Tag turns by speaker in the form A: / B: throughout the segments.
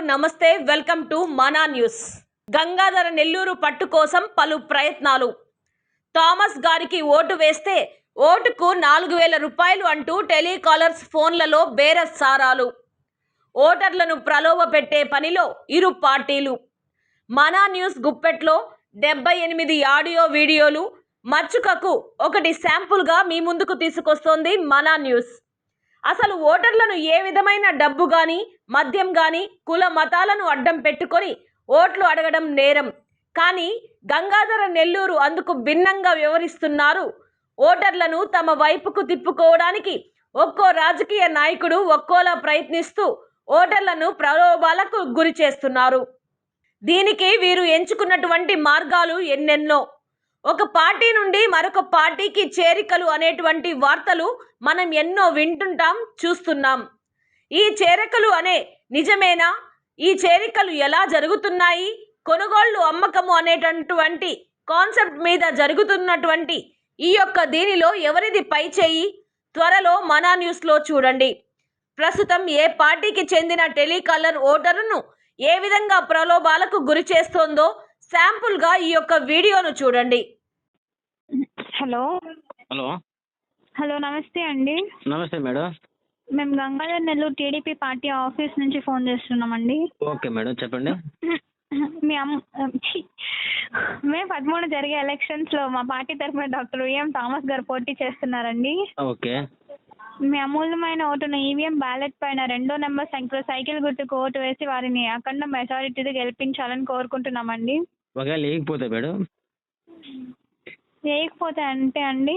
A: నమస్తే welcome to Mana news. Gangadhara Nellore పట్టు కోసం పలు ప్రయత్నాలు. థామస్ గారికి ఓటు వేస్తే ఓటుకు 4000 రూపాయలు అంటూ టెలికాలర్స్ ఫోన్లలో బేరసారాలు. ఓటర్లను ప్రలోభ పెట్టే పనిలో ఇరు పార్టీలు. మనా న్యూస్ గుప్పెట్లో 78 ఆడియో వీడియోలు మచ్చుకకు ఒకటి శాంపుల్గా మీ ముందుకు తీసుకొస్తోంది మనా న్యూస్. అసలు ఓటర్లను ఏ విధమైన డబ్బు గాని మద్యం గాని కుల మతాలను అడ్డం పెట్టుకొని ఓట్లు అడగడం నేరం. కానీ గంగాధర నెల్లూరు అందుకు భిన్నంగా వ్యవహరిస్తున్నారు. ఓటర్లను తమ వైపుకు తిప్పుకోవడానికి ఒక్కో రాజకీయ నాయకుడు ఒక్కోలా ప్రయత్నిస్తూ ఓటర్లను ప్రలోభాలకు గురి చేస్తున్నారు. దీనికి వీరు ఎంచుకున్నటువంటి మార్గాలు ఎన్నెన్నో. ఒక పార్టీ నుండి మరొక పార్టీకి చేరికలు అనేటువంటి వార్తలు మనం ఎన్నో వింటుంటాం, చూస్తున్నాం. ఈ చేరికలు అనే నిజమేనా? ఈ చేరికలు ఎలా జరుగుతున్నాయి? కొనుగోళ్లు అమ్మకము అనేటటువంటి కాన్సెప్ట్ మీద జరుగుతున్నటువంటి ఈ యొక్క దీనిలో ఎవరిది పై చేయి? త్వరలో మనా న్యూస్లో చూడండి. ప్రస్తుతం ఏ పార్టీకి చెందిన టెలికాలర్ ఓటరును ఏ విధంగా ప్రలోభాలకు గురి చేస్తోందో శాంపుల్గా ఈ యొక్క వీడియోను చూడండి.
B: హలో
C: హలో
B: హలో నమస్తే అండి.
C: నమస్తే మేడం.
B: మేము Gangadhar Nellore TDP party office నుంచి ఫోన్ చేస్తున్నామండి.
C: ఓకే మేడం, చెప్పండి.
B: మీ మే 13 జరిగే ఎలక్షన్స్లో మా పార్టీ తరఫున డాక్టర్ విఎం థామస్ గారు పోటీ చేస్తున్నారండి.
C: ఓకే.
B: మీ అమూల్యమైన ఓటును ఈవీఎం బ్యాలెట్ పైన 2వ నెంబర్ సంఖ్యలో సైకిల్ గుర్తుకు ఓటు వేసి వారిని అఖండ మెజారిటీతో గెలిపించాలని కోరుకుంటున్నామండి.
C: ఒకవేళ లేకపోతే మేడం?
B: వేయకపోతే అంటే అండి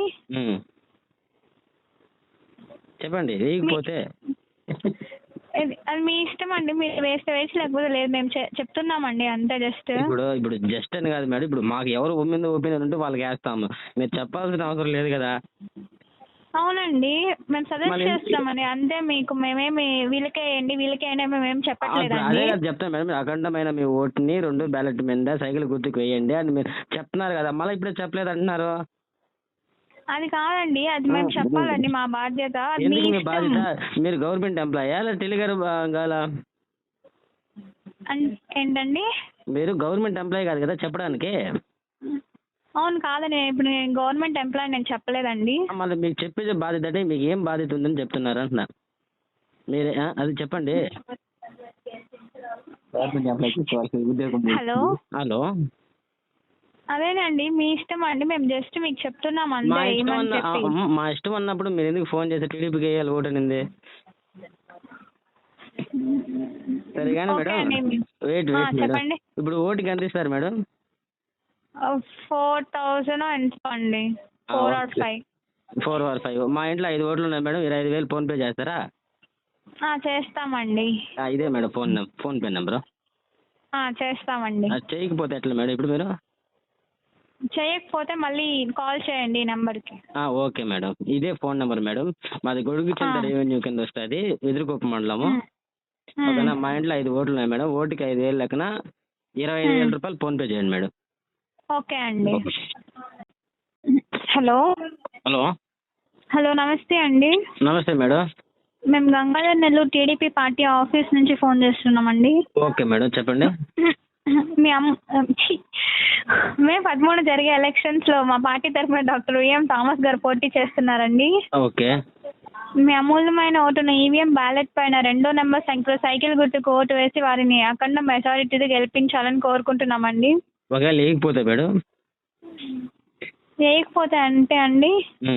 C: చెప్పండి. లేకపోతే
B: అది మీ ఇష్టం అండి. మీరు వేస్తే వేసి లేకపోతే లేదు. మేము చెప్తున్నామండి అంతే. ఇప్పుడు
C: జస్ట్ అని కాదు మేడం. ఇప్పుడు మాకు ఎవరు ఒపీనియన్ ఉంటే వాళ్ళకి వేస్తాము. మీరు చెప్పాల్సిన అవసరం లేదు కదా.
B: అవునండి, మేము సజెస్ట్ చేస్తామని అంతే. మీకు మేమేమి వీళ్ళకే వేయండి మేమేం చెప్పట్లేదండి.
C: అదే కదా చెప్తాను మేడం. అఖండమైన మీ ఓటుని 2 బ్యాలెట్ మీద సైకిల్ గుర్తుకు వేయండి అని మీరు చెప్తున్నారు కదా. మళ్ళీ ఇప్పుడే చెప్పలేదు అంటున్నారు.
B: అది కాదండి, అది మేము చెప్పాలండి. మా బాధ్యత.
C: ఎందుకు మీ బాధ్యత? మీరు గవర్నమెంట్ ఎంప్లాయా లేదా టెలిగారు కావాలా?
B: ఏంటండి?
C: మీరు గవర్నమెంట్ ఎంప్లాయీ కాదు కదా చెప్పడానికి.
B: అవును కాదండి, ఇప్పుడు నేను గవర్నమెంట్ ఎంప్లాయీ, నేను చెప్పలేదండి.
C: మళ్ళీ మీకు చెప్పేది బాధ్యత అంటే మీకు ఏం బాధ్యత ఉందని చెప్తున్నారు అంటున్నా. మీరే అది చెప్పండి.
B: హలో
C: హలో
B: అదేనండి, మీ ఇష్టం అండి. మేము జస్ట్ మీకు చెప్తున్నాం అంతే.
C: మా ఇష్టం అన్నప్పుడు మీరు ఎందుకు ఫోన్ చేసి టీడీపీకి వేయాలి ఓటు అనింది? సరే కానీ మేడం, వెయిట్
B: చెప్పండి.
C: ఇప్పుడు ఓటుకి ఎంత ఇస్తారు మేడం?
B: 4000 ఎంత అండి? 4 or 5.
C: 4 or 5. మా ఇంట్లో 5 ఓట్లు ఉన్నాయి మేడం. 25,000 ఫోన్పే చేస్తారా?
B: చేస్తామండి.
C: ఇదే మేడం ఫోన్పే నెంబరు.
B: చేస్తామండి.
C: చేయకపోతే ఎట్లా మేడం? ఇప్పుడు మీరు
B: చేయకపోతే మళ్ళీ కాల్ చేయండి ఈ నెంబర్కి.
C: ఓకే మేడం, ఇదే ఫోన్ నెంబర్ మేడం. మాది గొడుగు కింద రెవెన్యూ కింద వస్తుంది, ఎదురుకొప్ప మండలము. ఓకేనా? మా ఇంట్లో 5 ఓట్లు ఉన్నాయి మేడం. ఓటుకి 5,000 లెక్కన 25,000 రూపాయలు ఫోన్పే చేయండి మేడం.
B: ఓకే అండి. హలో
C: హలో
B: హలో నమస్తే అండి.
C: నమస్తే మేడం.
B: మేము Gangadhar Nellore TDP party office నుంచి ఫోన్ చేస్తున్నామండి.
C: ఓకే మేడం, చెప్పండి.
B: మే 13 జరిగే ఎలక్షన్స్లో మా పార్టీ తరఫున డాక్టర్ విఎం థామస్ గారు పోటీ చేస్తున్నారండి.
C: ఓకే.
B: మీ అమూల్యమైన ఓటును ఈవీఎం బ్యాలెట్ పైన 2వ నెంబర్ సంఖ్యలో సైకిల్ గుర్తుకు ఓటు వేసి వారిని అఖండ మెజారిటీతో గెలిపించాలని కోరుకుంటున్నామండి.
C: ఒకవేళ లేకపోతే మేడం?
B: వేయకపోతే అంటే అండి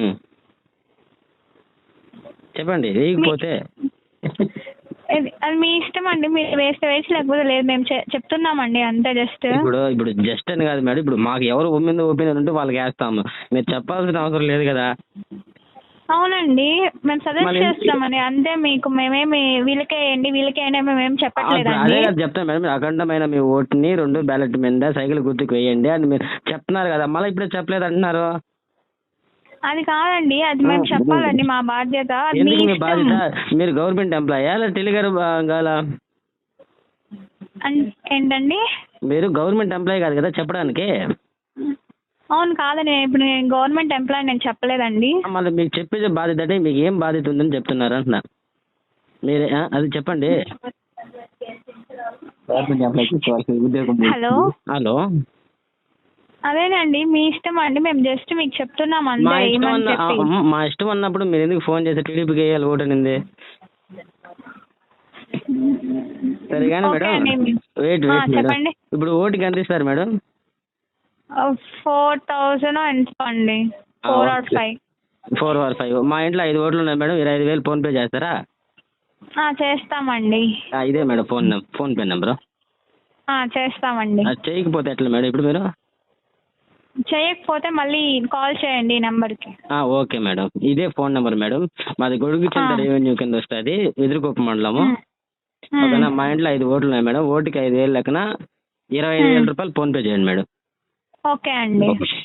C: చెప్పండి. లేకపోతే
B: అది మీ ఇష్టం అండి. మీరు వేస్తే వేసి లేకపోతే లేదు. మేము చెప్తున్నామండి అంతే. ఇప్పుడు
C: జస్ట్ అని కాదు మేడం. ఇప్పుడు మాకు ఎవరు ఒపీనియన్ ఉంటే వాళ్ళకి వేస్తాము. మీరు చెప్పాల్సిన అవసరం లేదు కదా.
B: అవునండి, మేము సజెస్ట్ చేస్తామని అంతే. మీకు మేమేమి వీళ్ళకే వేయండి మేమేం చెప్పట్లేదండి.
C: అదే కదా చెప్తాను మేడం. అఖండమైన మీ ఓటుని 2 బ్యాలెట్ మీద సైకిల్ గుర్తుకు వేయండి అని మీరు చెప్తున్నారు కదా. మళ్ళీ ఇప్పుడే చెప్పలేదు అంటున్నారు.
B: అది కాదండి, అది మేము చెప్పాలండి. మా బాధ్యత.
C: ఎందుకు మీ బాధ్యత? మీరు గవర్నమెంట్ ఎంప్లాయా లేదా టెలిగారు కావాలా?
B: ఏంటండి?
C: మీరు గవర్నమెంట్ ఎంప్లాయీ కాదు కదా చెప్పడానికి.
B: అవును కాదండి, ఇప్పుడు నేను గవర్నమెంట్ ఎంప్లాయీ, నేను చెప్పలేదండి.
C: మళ్ళీ మీకు చెప్పేది బాధ్యత అంటే మీకు ఏం బాధ్యత ఉందని చెప్తున్నారు అంటున్నా. మీరే అది చెప్పండి. గవర్నమెంట్ ఎంప్లాయ్ తీసుకోవాల్సిన ఉద్యోగం
B: హలో
C: హలో
B: అదేనండి మీ ఇష్టం అండి, మేము జస్ట్ మీకు చెప్తున్నాం
C: మా
B: అంతే
C: ఇష్టం
B: ఏమని చెప్పి.
C: మా ఇష్టం అన్నప్పుడు మీరు ఎందుకు ఫోన్ చేసి టీడీపీకి వేయాలి ఓటు అనింది? సరే కానీ
B: ఓకే
C: మేడం
B: అండి.
C: వెయిట్ వెయిట్ మేడం,
B: చెప్పండి.
C: ఇప్పుడు ఓటుకి ఎంత ఇస్తారు మేడం?
B: 4,000 ఎంత అండి, 4 or 5.
C: 4 or 5. మా ఇంట్లో 5 ఓట్లు ఉన్నాయి మేడం, 25,000 ఫోన్పే చేస్తారా?
B: చేస్తామండి.
C: ఇదే మేడం ఫోన్పే నెంబరు.
B: చేస్తామండి.
C: అది చేయకపోతే ఎట్లా మేడం ఇప్పుడు మీరు?
B: చేయకపోతే మళ్ళీ కాల్ చేయండి ఈ నెంబర్కి.
C: ఓకే మేడం, ఇదే ఫోన్ నెంబర్ మేడం. మాది గొడుగుచింత రెవెన్యూ కింద వస్తుంది, ఎదురుకొప్ప మండలము. ఓకేనా? మా ఇంట్లో 5 ఓట్లు ఉన్నాయి మేడం, ఓటుకి 5,000 లెక్కన 25,000 రూపాయలు ఫోన్పే చేయండి మేడం.
B: ఓకే అండి.